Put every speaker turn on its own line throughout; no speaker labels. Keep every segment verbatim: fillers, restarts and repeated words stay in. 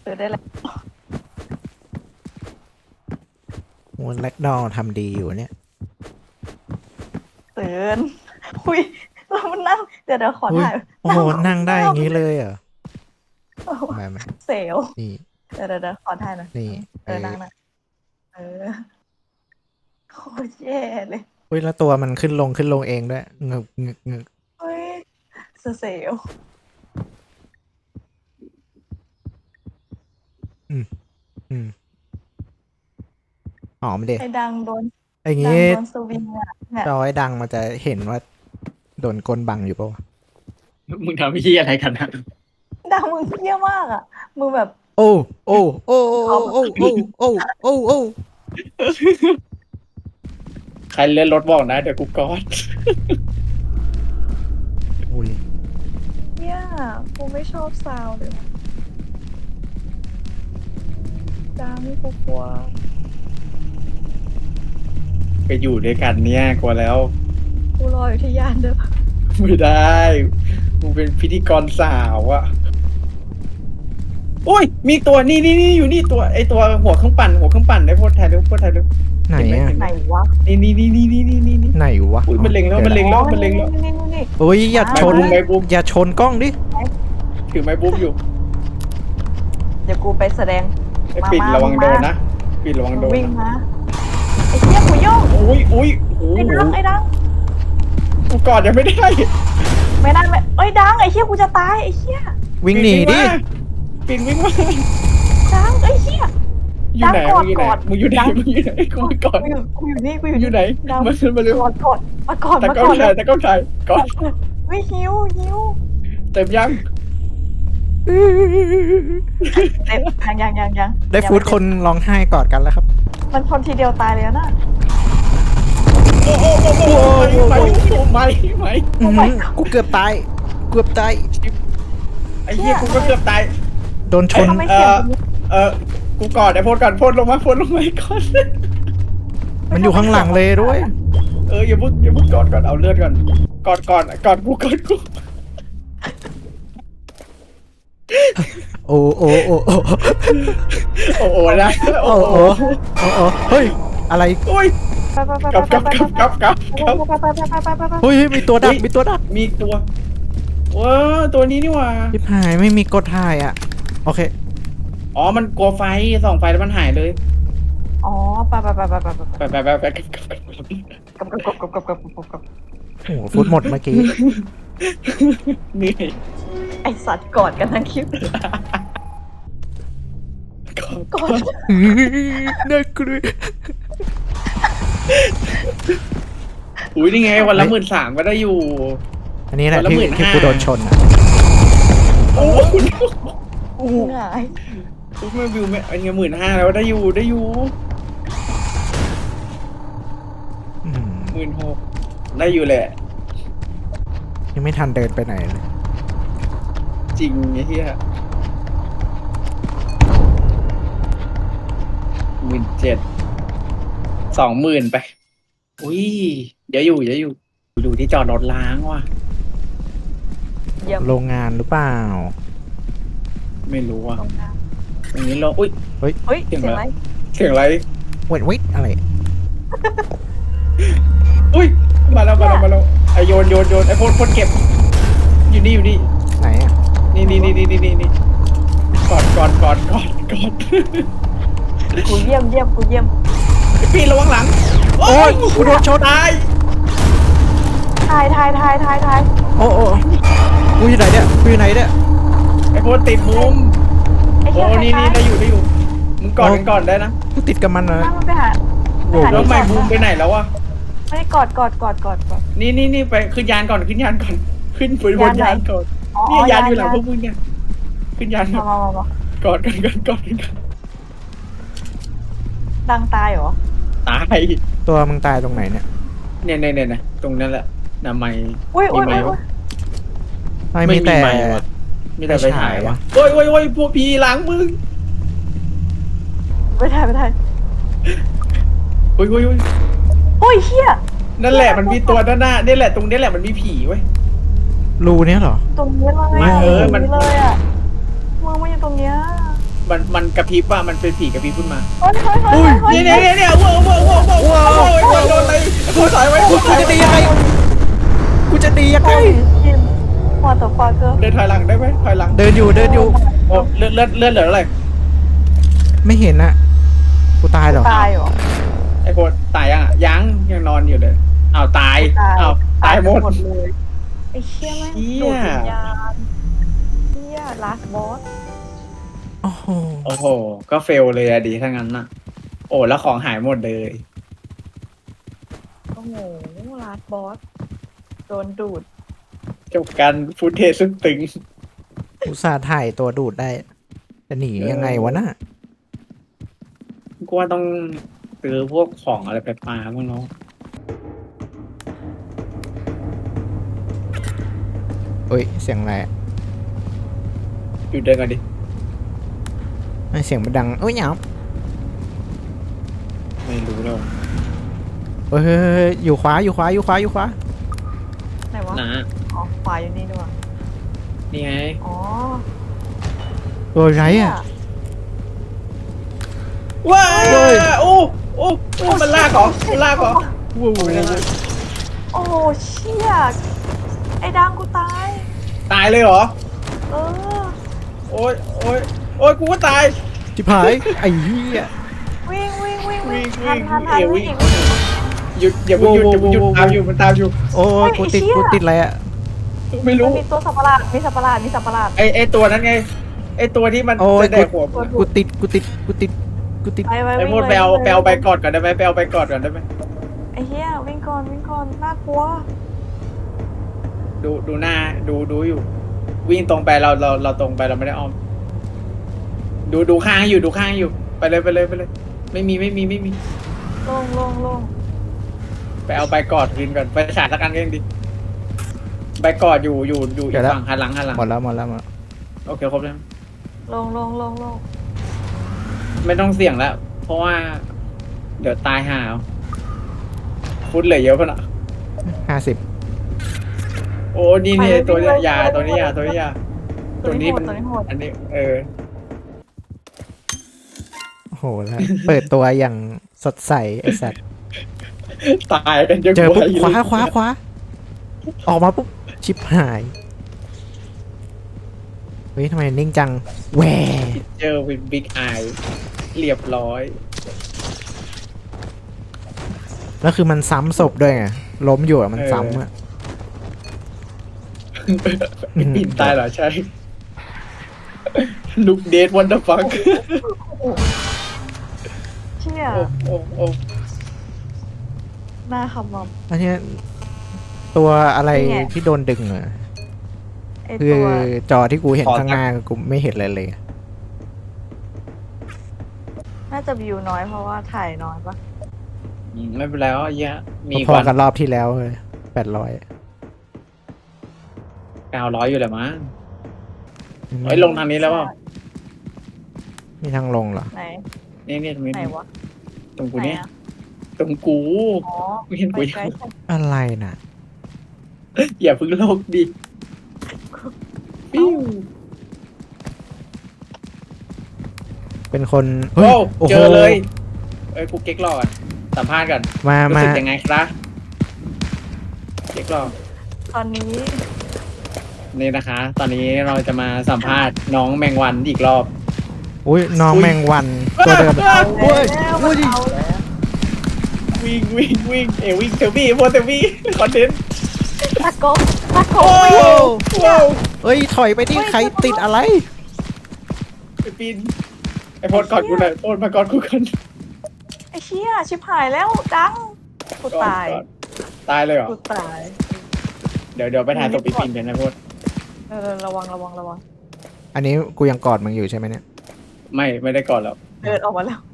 เออได้แล้ว
โอ้แล็กดอลทำดีอยู่เนี่ย
เตือนคุยเรามันนั่งเดี๋ยวเดี๋ยวขอ
อุ้ย
ถ่าย
โอ้โหนั่งได้อย่างนี้เลยเหรอ
โอ้โห
มาไหม
เซลล
นี่
เดี๋ยวเดี๋ยวเดี๋ยวขอถ่ายหน่อย
นี่
เออนั่งนะเออโคตรแย่เลย
อุ้ยแล้วตัวมันขึ้นลงขึ้นลงเองด้วยงึกงึกงึก
เฮ้ยเซลล
อืมอืมหอมเด็
ไอ้ดังโดน
ไอ้
ดัง
งี้
โดนสวิงอ่ะเนี่ย
จอยดังมันจะเห็นว่าโดนกลบังอยู่ปะวะ
มึงทำพี่อะไรกันนะ
ดังมึงเยี่ยมากอ่ะมึงแบบ
โอ้โอ้โอ้โอ้โอ้โอ้โอ้โอ้โอ้
ใครเล่นรถบอกนะเดี๋ยวกูกอด
อุ้ย
เนี่ยกูไม่ชอบซาวด์เลยดังกูกลัว
ไปอยู่ด้วยกันเนี่ยกลัวแล้ว
กูรออยู่ที่ยานเด้อ
ไม่ได้มึงเป็นพิธีกรสาวอะโอ้ยมีตัวนี่นี่นี่อยู่นี่ตัวไอตัวหัวเครื่องปั่นหัวเครื่องปั่นได้โพดไทยเร็วโพดไทยเร็ว
ไหนอะ
ไหนวะ
นี่นี่นี่นี่นี่นี่นี่
ไหนวะ
อุ้ยมันเล็งแล้วมันเล็งแล้วมันเล็งแล้ว
นี่นี่นี่นี่
อุ้ยอย่าชน
ไม้บุ้ม
อย่าชนกล้องดิ
ถือไม้บุ๊บอยู่
เดี๋ยวกูไปแสดง
ไอ
มา
ปิด
มา
ระวัง
มา
โดนนะปิดระวังโดน
วิ่ง
นะ
มาไอ้เหี้ยกูโยก
อุ้ยอุ้ยโอ้
ไอ้
โห
ดังไอ้ดัง
กูกอดยังไม่ได้
ไม่ได้ไม่เอ้ยดังไอ้เหี้ยกูจะตายไอ้เหี้ย
วิ่งหนีดิ
ปิดวิ่งมา
ดังไอ้เหี้ย
อยู่ไหน
ดัง
มึงอยู่ไหน
กอด
มึงอยู่ไหน
ดัง
มึงอยู่ไหนกูไม่กอด
กูอยู่กูอยู่นี่กูอยู่
อยู่ไหน
ดัง
มามาเร็ว
กอดกอดมากอด
ตะ
มา
ก้
ก
อ
อน ด
ถ่ายตะก้อนถ่ายกอด
เฮ้ยหิวหิว
เต็มยัง
เต็มยังยังยังยัง
ได้ฟูดคนร้องไห้กอดกันแล้วครับ
มันชนทีเดียวตายเลยนะ
โอ้โอ้โอ้โอ้ไม่ไม่ไม่
อื้อหือกูเกือบตายเกือบตาย
ไอ้เหี้ยกูก็เกือบตาย
โดนชน
ทำไม
เอ
เสียง
อเออกูกอดไอ้โพดก่อนโพดลงมาโพดลงมาก่อน
มันอยู่ข้างหลังเลยด้วย
เอออย่าพึ่งอย่าพึ่งกอดก่อนเอาเลือดก่อนกอดก่อนกอดกูกอดกู
โอ้โอ้โอ้โอ้
โอ้โหนะ
โอ้โอ้โอ้โอ้เฮ้ยอะไร
โอ้ย
ไปไปไป
กลับ
ไป
กลับ
ไป
กลับกลับกลับกลับ
ไปไปไปไปไปไป
เฮ้ยมีตัวดักมีตัวดัก
มีตัวว้าตัวนี้นี่หว่า
ทิพหายไม่มีกดถ่ายอ่ะโอเค
อ๋อมันกลัวไฟส่องไฟแล้วมันหายเลย
อ๋อไปไปไปไปไปไป
ไปไปไปไปกลับกลับกลับ
กับกับกับกับกับกับกับ
โอ้โหฟุตหมดเมื่อกี้
เหนื่อย
ไอสัตว์กอดกันทั้งคลิปกอด
น่ากลัว
อุ้ยนี่ไงวันละหมื่นสามก็ได้อยู่
อันนี้แหละ
วันละ
ที่
หมื่น
ที่
ห้า
กูโดนชนอ่ะ
โอ้โห
กูหงาย
ทุกเมื่อวิวไม่อันนี้หมื่นห้าแล้วได้อยู่ได้อยู่
อืม
หมื่นหกได้อยู่แหละ
ยังไม่ทันเดินไปไหนเลย
จริงไอ้เหี้ยหมื่นเจ็ดสองหมื่นไป อุ้ยเดี๋ยวอยู่เดี๋ยวอยู่ดูที่จอดรถล้างว่ะ
เยี่ยม
โรงงานหรือเปล่า
ไม่รู้ว่ะ
ตรงน้
อย่างนี้เราอุ้ย
ำเฮ้ยเสียงอะไร
เสียงอะไร
เวทวิทอะไร
อุ้ยมาแล้วมาแล้วมาแล้วไอโยนโยนโยนไอพ่นพ่นเก็บ อยู่นี่อยู่นี่
ไหนอ่ะ
นี่นี่นี่นี่นี่นี่นี่กอดกอดกอดกอดกอด
กูเยี่ยมเยี่ยมกูเยี่ยม
พี่ระวังหลัง
โอ้ยกูโดนชน
ตาย
ถ่ายถ่ายถ่ายถ่ายถ่าย
โอ้โอ้กูอยู่ไหนเนี่ยกูอยู่ไหนเนี่ย
ไอพ่นติดมุม
ไอ้
โอ้
เหี้ย
นี่นี่ได้อยู่ได้อยู่มึงกอดกันก่อนได้นะ
กูติดกับมันนะ
นั่งมันไปหา
โอ้
ไปหา
แล้ว
ที่
ไม่
จอด
บูมไปไหนแล้ววะ
ไม่ได้กอดกอดกอดกอดกอด
นี่นี่นี่ไปขึ้นยานก่อนขึ้นยานก่อนขึ้นบนบน
ยานไหน
ยานก่อน
อ๋อ
นี่ยานอยู่หลัง
ยาน
พวกมึงเนี่ยขึ้นยานก่
มา
อน
มามามา
กอดกันกันกอดกันกัน
ดังตายเหรอ
ตาย
ตัวมึงตายตรงไหนเนี่ย
เนี่ยเนี่ยเนี่ยตรงนั้นแหละนาไม
อุ้ยอุ้ย
มี
อุ้ย
ไหม
อุ้ย
ไม่มีแต่
ไม่มีไมค์วะ มีแต่ไปถ่ายวะ
ไม่ใช่
โอ้ยโอ้ยโอ้ยพวกพีหลังมึง
ไปถ่ายไปถ่าย
โอ้ยโอ้ยโอ้ย
โอ้ยเฮีย
นั่นแหละมันมีตัวด้านหน้านี่แหละตรงนี้แหละมันมีผีเว้ย
รูเนี้ยเหรอ
ตรงนี้เลย
ไม่
อ่ะ
เออมัน
ตรงเลยอ่ะมึงมาอยู่ตรงเนี้ย
มันมันกระพริบว่ามันเป็นผีกระพริบขึ้นมา
เฮ้ยเฮ้ยเฮ้ยเฮ้ย
เนี่ยเนี่ยเนี่ยว้าวว้าวว้าวว้าวว้าวว้าวโดนอะไรกูถอยไว้กู
กูจะตียังไงกูจะตียังไง
วอเตอร์ฟาเกอร์
เดินถอยหลังได้ไหมถอยหลัง
เดินอยู่เดินอยู่
โอ้เลือดเลือดเลือดเหลืออะไร
ไม่เห็นอะกูตายเหรอ
ตายเหรอ
ไอ้โคตรตายยังอ่ะยังยังนอนอยู่เลยอ้าวตายอ้าวตายหมด
เลยไอ้เชี่ยแม่ง
เหี้ย
ดูดวิญญาณเชี่ยลาสบอส
โอ้โห
โอ้โหก็เฟลเลยอะดีถ้างั้นน่ะ โอ้แล้วของหายหมดเลย
โอ้โหลาสบอสโดนดูด
จบกันฟุตเทจซึ่งตึง
อุตส่าห์ถ่ายตัวดูดได้จะหนียังไงวะน่ะ
กูว่าต้องซื้อพวกของอะไรไปปาบ้างเนาะ
เฮ้ยเสียงอะไรอะ
หยุดเดินกันดิ
ไม่เสียงมันดังเอ้ยหยาบ
ไม่รู้แล้ว
เฮ้ยเฮ้ยเฮ้ยอยู่ขวาอยู่ขวาอยู่ขวาอยู่ขวา
ไหนวะ
นะ
อ๋อขวาอยู่นี่ด้วย
นี่ไง
อ๋อ
ตัวไรอะ
ว้าโอ้โอ้โอ้มันลากเหรอมันลากเหรอ
ว้าว
ไม่ได้ลาก
โอ้โหเชี่ยไอ้ดังกูตาย
ตายเลยเหรอ
เออ
โอ้ยโอ้ยโอ้ยกูก็ตาย
จิบหายไอ้เหี้ย
วิ่งวิ่งวิ่ง
วิ่
วิ่
ง
งทันทันทัน
วิ่
วิ่
ง
ง
วิ่
อี
ง
ก
หยุดอย่าเพิ่งหยุดอย่าเพิ่งหยุดตามอยู่มันตามอยู่
โอ้ยกูติดกูติดอะไรอะ
ไม่
มั
รู้
นมีตัวสัตว์ประหลาดมีสัตว์ประหลาดมีสัตว์ประหลาด
ไอไอตัวนั้นไงไอตัวที่มัน
โอ้ย
จะแดกหัว
กู
กูติดกูติดกูติดกูติด
ไปไป
ไอ
วิ่ง
โมด
เลย
ไปเอา
วิ่ง
ไป
ลย
เอาไปกอดก่อนได้ไหมไปเอาไปกอดก่อนได้ไหม
ไอ้เหี้ยวิ่งก่อนวิ่งก่อนน่ากลัว
ดูดูหน้าดูดูอยู่ วิ่งตรงไปเราเราเราตรงไปเราไม่ได้อ้อม ดูดูข้างอยู่ดูข้างอยู่ไปเลยไปเลยไปเลย ไม่มีไม่มีไม่มี
ลงลงลง
ไปเอาใบกอดคืนก่อนไปฉายสักกันก็ยังดีใบกอดอยู่อยู่อยู่อีกฝั่งหันหลังหันหลัง
หมดแล้วหมดแล้วหมดแล้ว
โอเคครบแล้ว
ลงลงลงลง
ไม่ต้องเสี่ยงแล้ว เพราะว่า เดี๋ยวตายห่าเอาฟุตเหลือเยอะขนาด
ห้าสิบ
โอ้นี่นี่ตัวนี้ยาตัวนี้ยาตัวนี้ยา
ตั
ตัว ว
นี้
นี้
โห
มั
ด
น
ตัวนี้โหด
อันนี้ เออ
โอ้โหแล้วเปิดตัวอย่างสดใสไอ้สัตว์
ตายกันยัง
เจอปุ๊บ
ไว
คว้าคว้าคว้าออกมาปุ๊บชิบหายเฮ้ยทำไมนิ่งจังแหว
เจอวินบิ๊กไอเรียบร้อย
แล้วคือมันซ้ำศพด้วยไงล้มอยู่อะมันซ้ำอะ อืม
ปินตายเหรอใช่ ลูกเดทวันเดอร์ฟัง
เชี่ย
โอ้โอ้โอ้
หน้าขมอม
อันเนี้ยตัวอะไร
นี่ไง
ที่โดนดึงอะ
ไอ้
คื
ตั
อ
ว
จอที่กูเห็นข้างหน้ากูไม่เห็นอะไรเลย
น่าจะวิวน้อยเพราะว่าถ่ายน้อยปะ
อืมไม่เป็นไรอ่ะเหี้ยอะมี
พอ
ก่อน
กันรอบที่แล้วเลยแปดร้อย
เก้าร้อยอยู่แหละมั้งเฮ้ยลงทางนี้แล้วเปล่า
มีทางลงเหรอ
ไหน
นี่นี่ตรงนี้
ไหนวะ
ตรงกู
ไหน
เนี่ย
อะ
ตรงกู
อ๋อ
ไม่เห็น
ไป
กู
ไกล
ยัง
จัง
อะไรน่ะ
อย่าเพึ่งโลกดิปิ้ว
เป็นคนเฮ้
โอ้
ยโอ้โห
เจอเลย เอ้ยกูเก๊กหลอกก่อนสัมภาษณ์กัน
มา
รู้
มา
สึกยังไงครับเก๊กหลอก
ตอนนี้
นี่นะคะ ตอนนี้เราจะมาสัมภาษณ์น้องแมงวันอีกรอบ
อุ้ยน้อง
อุ๊ย
แมงวันตัวเดิม
อ้าว
โอ้ย
แล้ว
โอ้
มัน
ย
เอาแล้ว
วิ่งวิ่งวิ่งเอวิ่งเทวี่โมเทวี่คอนเทนต์
ตะโกนตะโก
โอ้
น
โหโอ้โห
เอ้ยถอยไปที่ใครติดอะไร
ไอปีนไอโพดกอดกูหน่อยโพดมากอดกูกัน
ไอ้เชี่ยชิบหายแล้วดังกูตาย
กอดตายเลยเหรอ
กูตาย
เดี๋ยวเดี๋ยวไปถ่ายศพปีปีนกันนะโพด
เออระวังระวังระวัง
อันนี้กูยังกอดมึงอยู่ใช่ไหมเนี่ย
ไม่ไม่ได้กอดแล้ว
เดินออกมาแล้ว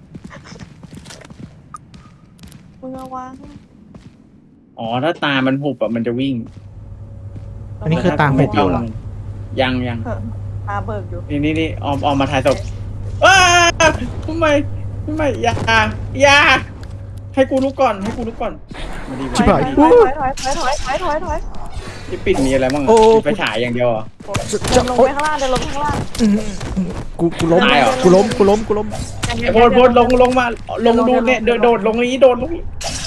มึงระวัง
อ๋อถ้าตามันหุบอะมันจะวิ่ง
อันนี้คือตาหุบอยู่เหรอ
ยังยัง
เออตาเบิกอยู่
นี่นี่นี่ออมออมมาถ่ายศพอ้าทำไมทำไมอย่าอย่าให้กูลุกก่อนให้กูลุกก่อนมาดี
ถ
มา
อย
ดี
ถอยถอยถอยถอยถอยถอยถอยถอย
ที่ปิดมีอะไรบ้างอะ
โอ้
มีไฟฉายอย่างเดียวเหรอ
เดินลงไปข้างล่างเดินลงไปข้างล่าง
อื้อหือกูกูล้ม
ตายเหรอ
กูล้มกูล้มกูล้ม
ไอ้โพดโพดลงลงมาลงดูเนี่ยโดดโดดลงนี้โดดลงนี้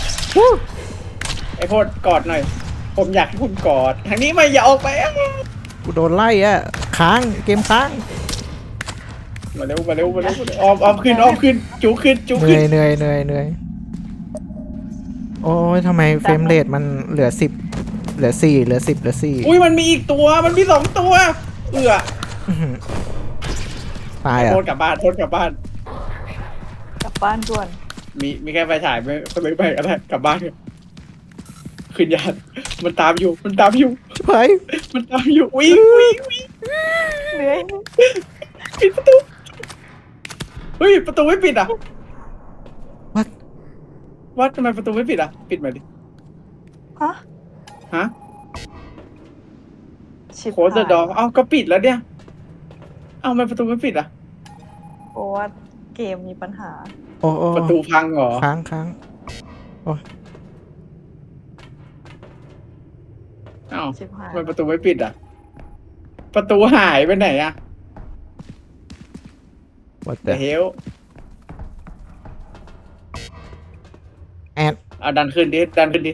ไอ้โพดกอดหน่อย ผมอยากให้คุณกอดทางนี้ไม่อย่าออกไปอะ
กูโดนไล่อ่ะค้างเกมค้าง
มาเร็วมาเร็วมาเร็วมาเร็วออมออมขึ้นออมขึ้นจูขึ้นจู
เห
ขึ้
นื่
น
อยเหนื่อยเหนื่อยเหนื่อยโอ้ยทำไมเฟรมเรทมันเหลือสิบเหลือสี่เหลือสิบเหลือสี่
อุ้ยมันมีอีกตัวมันมีสองตัว เอือ
อื้อหือตายอ่ะ
โทษกลับบ้านโทษกลับบ้าน
กลับบ้านด่วน
มีมีแค่ไฟฉายไม่ไม่ไปก็ได้กลับบ้านเถอะขึ้นยานมันตามอยู่มันตามอยู่
ชิบหาย
มันตามอยู่วิ่งวิ่งวิ่ง
เหนื่อย
ปิดประตูเฮ้ยประตูไม่ปิดอ่ะ
วัด
วัดทำไมประตูไม่ปิดอ่ะปิดมาดิ
ฮะ
ฮะ
ชิบ
โคสดอเอ้าก็ปิดแล้วเนี่ยเอ้าทำไมประตูไม่ปิดอ่ะ
เพราะว่าเกมมีปัญหา
โอ้โอ้
ประตูพังเหรอ
ค้างค้างโอ้ย
เอ้า
ชิบหาย
ทำไมประตูไม่ปิดอ่ะ ประตูหายไปไหนอ่ะ
วัด
แต่
แต่
เฮล
แอด
เอาดันขึ้นดิดันขึ้นดิ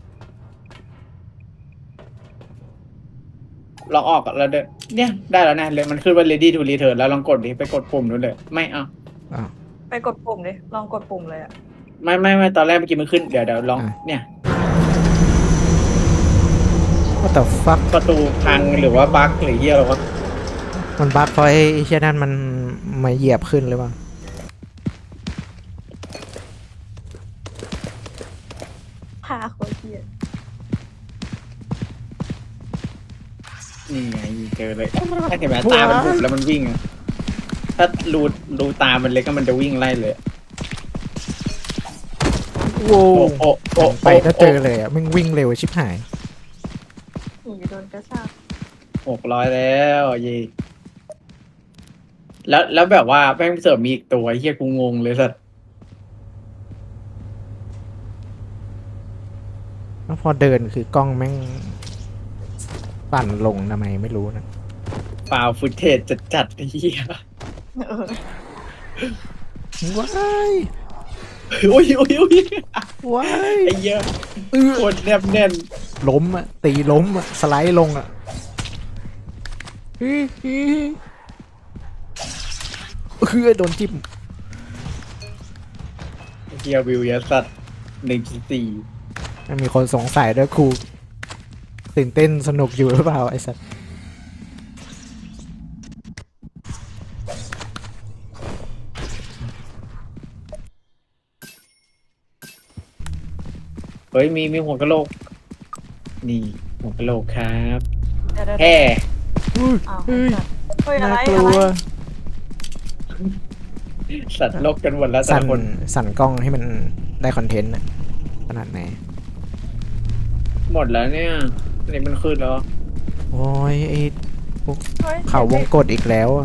ลองออกแล้วเด้อเนี่ยได้แล้วนะเลยมันขึ้นว่า ready to return แล้วลองกดดิไปกดปุ่มนู้นเลยไม่เอา
อ้าว
ไปกดปุ่มดิลองกดปุ่มเลยอะ
ไม่ไม่ไม่ตอนแรกเมื่อกี้มันขึ้นเดี๋ยวเดี๋ยวลอง
อ่ะ
เนี่ย
what the fuck
ประตูพังหรือว่าบั๊กหรือเหี้ยอะไรวะ
มันบั๊กเพราะไอ้เชี่ยนั่นมันมาเหยียบขึ้นหรือเปล่า
พาโคตรเหี้ย
นี่ไงเจอเลยถ้าเห็นไหมตามันบุบแล้วมันวิ่งอะถ้ารูรูตามันเล็กก็มันจะวิ่งไล่เลย
โว้
โอ้โอ้โอ้
ไปถ้าเจอเลยอ่ะมึงวิ่งเร็วชิบหาย
หนีโดนกระชาก
หกร้อยแล้วเย่แล้วแล้วแบบว่าแม่งเสริมมีอีกตัวไอ้เฮียกูงงเลยสัส
แล้วพอเดินคือกล้องแม่งปั่นลงทำไมไม่รู้นะ
ฟาวฟุตเทจจัดจัดๆไอ้เฮีย
เออ
ว้าย
โอ้ยโอ้ยโอ้ย
ว้าย
ไอ้เหี้ย
เออ
โคตรแนบแน่น
ล้มอ่ะตีล้มอ่ะสไลด์ลงอ่ะอื้ออื้อคือโดนจิ้ม
เฮียวิวเยอะสัตว์หนึ่งจุดสี่
มันมีคนสงสัยด้วยครูตื่นเต้นสนุกอยู่หรือเปล่าไอ้สัส
เฮ้ยมีมีหัวกะโหลก นี่หัวกะโหลกครับ
เดี๋ยวเดี๋ยว
แฮ่
อุ้ย
อ้าว
เฮ้ย
เฮ้ยอะไร
น่ากลั
อะไร
ว
สัตว์โลกกันหมดแล้วแต่
สั่น
ละคน
สั่นกล้องให้มันได้คอนเทนต์อะขนาดไหน
หมดแล้วเนี่ยอันนี้มันขึ้นแล้ว
โอ้ยไอ้
เฮ้ย
เขาวงกดอีกแล้วอะ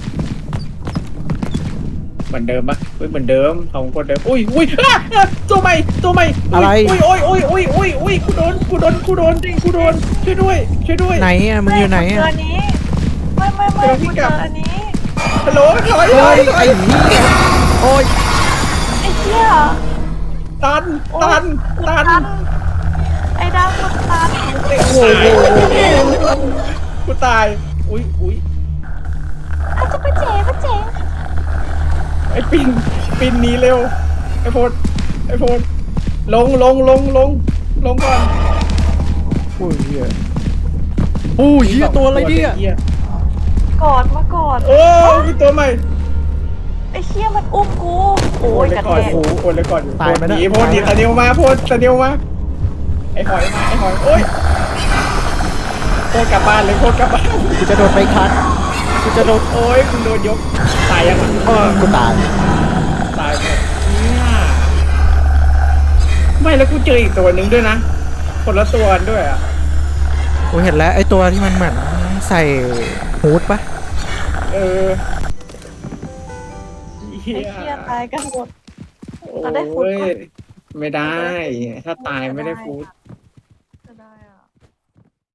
เหมือนเดิมปะเฮ้ยเหมือนเดิมของคนเดิมอุ้ยอุ้ยอ่ะอ่ะตัวใหม่ตัวใหม่
อะไร
อุ้ยอุ้ยอุ้ยอุ้ยอุ้ยอุ้ยกูโดนกูโดนกูโดนกูโดนช่วยด้วยช่วยด้วย
ไหนอะมึงอยู่ไหน
เจ
อะ
ออันนี้ไม่ไม่ไม่
เดี๋ยวพี่
กู
ก
เจ
ลับ
ออันนี้
ฮัลโหลถอยถ
เฮ้
อย
ย
ถอ
ไอ้
ย
เหี้ยโอ้ย
ไอ้เหี้ย
ตันตันตัน
ตันไอ้ดาวกูตัน
โอ้โหกูตายอุ้ยอุ้ย
อาจจะไปเจ๋ไปเจ๋
ไอ้ปินปินหนีเร็วไอ้โพดไอ้โพดลงลงลงลงลงก่อน
โอ้ยเหี้ยโอ้ยเหี้ยตัวอะไรเนี่ย
กอดมากอด
โอ้มีตัวใหม่
ไอ้เหี้ยมันอุ้มกูโอ้ยกระ
ก่อ
แท
น
ก
โอ้โอนเลยก่อนอยู่
ตายไหม
ห
นะ
นีโพดหนีตะเนียวมาโพดตะเนียวมาไอ้หอยมาไอ้หอยโอ้ยโพดกลับบ้านเลยโพดกลับบ้าน
กูจะโดนไปคัดกูจะโดน
โอ้ยคุณโดนยกตายยังอ่ะ
เออกูตาย
ตายหมดเนี่ยไม่แล้วกูเจออีกตัวหนึ่งด้วยนะคนละตัวกันด้วยอ่ะ
กูเห็นแล้วไอ้ตัวที่มันเหมือนใส่ฮูดปะ
เออเหี้
ไอ้
ย
เหี้ยตายกันหมด
โอ้
เราได้ฟูด
ย
ปะ
ไม่ได้ ถ้าตายไม่ได้ฟูด